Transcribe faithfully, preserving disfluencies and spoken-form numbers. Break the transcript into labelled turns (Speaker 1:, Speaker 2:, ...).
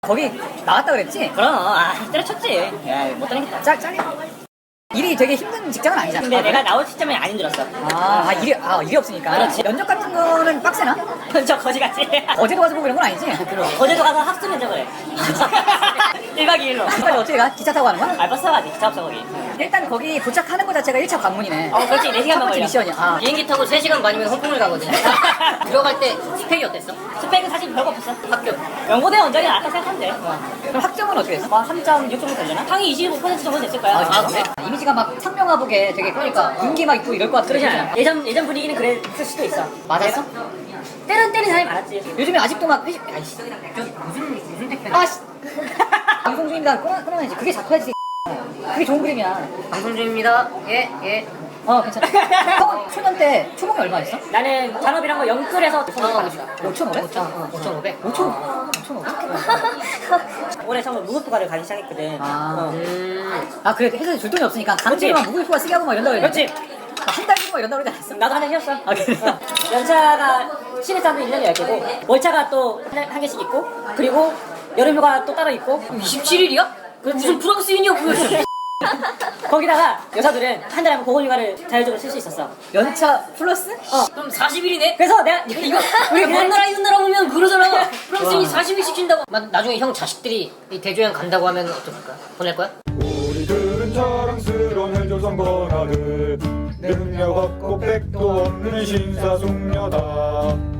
Speaker 1: 거기 나왔다 그랬지?
Speaker 2: 그럼 아 때려쳤지. 야, 못 다니겠다.
Speaker 1: 짤, 짤. 일이 되게 힘든 직장은 아니잖아.
Speaker 2: 근데 내가 나올 시점에 안 힘들었어.
Speaker 1: 아, 아, 일이, 아, 일이 없으니까.
Speaker 2: 그렇지.
Speaker 1: 면접 같은 거는 빡세나?
Speaker 2: 저 거지같이.
Speaker 1: 어제도 가서 보고 이런 건 아니지?
Speaker 2: 거제도 가서 학습 면접을 해. 일 박 이 일로.
Speaker 1: 빨리 어떻게 가? 기차 타고 가는 거야?
Speaker 2: 아, 버스 타가지. 기차 없어 거기.
Speaker 1: 일단 거기 도착하는 거 자체가 일 차 관문이네.
Speaker 2: 어, 그렇지. 네 시간만
Speaker 1: 첫 번째
Speaker 2: 걸려.
Speaker 1: 미션이야. 아.
Speaker 3: 비행기 타고 세 시간 반이면 홍콩을 가거든. 들어갈 때 스펙이 어땠어?
Speaker 2: 스펙은 사실 별거 없었어.
Speaker 3: 학교.
Speaker 2: 연고대 원장이 나왔다 생각하면 돼.
Speaker 1: 그럼 학점은 어떻게 했어?
Speaker 2: 뭐 삼 점 육 정도 되려나? 상위 이십오 퍼센트 정도 됐을 거야.
Speaker 1: 아, 그래? 이미지가 막 상명하복에 되게 그러니까 윤기 막 있고 이럴 것 같아.
Speaker 2: 그러지 않아. 예전 예전 분위기는 그랬을 수도 있어.
Speaker 1: 맞았어?
Speaker 2: 때는 때린 사람이 많았지.
Speaker 1: 요즘에 아직도 막 회식, 아이씨.
Speaker 3: 무슨 무슨 택배?
Speaker 1: 아씨. 방송 중입니다. 끊어, 끊어야지. 그게 잡혀야지. 그게 좋은 그림이야.
Speaker 3: 방송 중입니다. 예 예.
Speaker 1: 어, 괜찮아. 형, 초년 때 초봉이 얼마였어?
Speaker 2: 나는 잔업이란 거 영끌해서
Speaker 1: 오천오백?
Speaker 3: 오천오백.
Speaker 1: 오천, 오천오백?
Speaker 2: 올해 처음으로 무급휴가를 가기 시작했거든.
Speaker 1: 아.
Speaker 2: 어.
Speaker 3: 음.
Speaker 1: 아, 그래. 회사에 줄 돈이 없으니까 강제로만 무급휴가 쓰게 하고 막 이런다고
Speaker 2: 그렇지.
Speaker 1: 한달 쓰고 막 이런다고 그러지 않았어?
Speaker 2: 나도 한 달 쉬었어.
Speaker 1: 아, 그래?
Speaker 2: 어. 연차가 신입사원도 일 년에 열 개고 월차가 또 한 개씩 있고 그리고 여름휴가 또 따로 있고
Speaker 3: 이십칠 일이야? 무슨 프랑스인이야 그거.
Speaker 2: 거기다가 여자들은 한 달에 한 번 보건휴가를 자율적으로 쓸 수 있었어.
Speaker 1: 연차 플러스?
Speaker 2: 어.
Speaker 3: 그럼 사십 일이네?
Speaker 2: 그래서 내가
Speaker 3: 이거 우리 먼 나라 있는 나라 보면 그러잖아. 프랑스인이 사십 일 시킨다고. 나중에 형 자식들이 이 대조양 간다고 하면 어떡할까? 보낼 거야?
Speaker 4: 우리들은 자랑스러운 헬조선 건아들 능력 없고 백도 없는 신사숙녀다.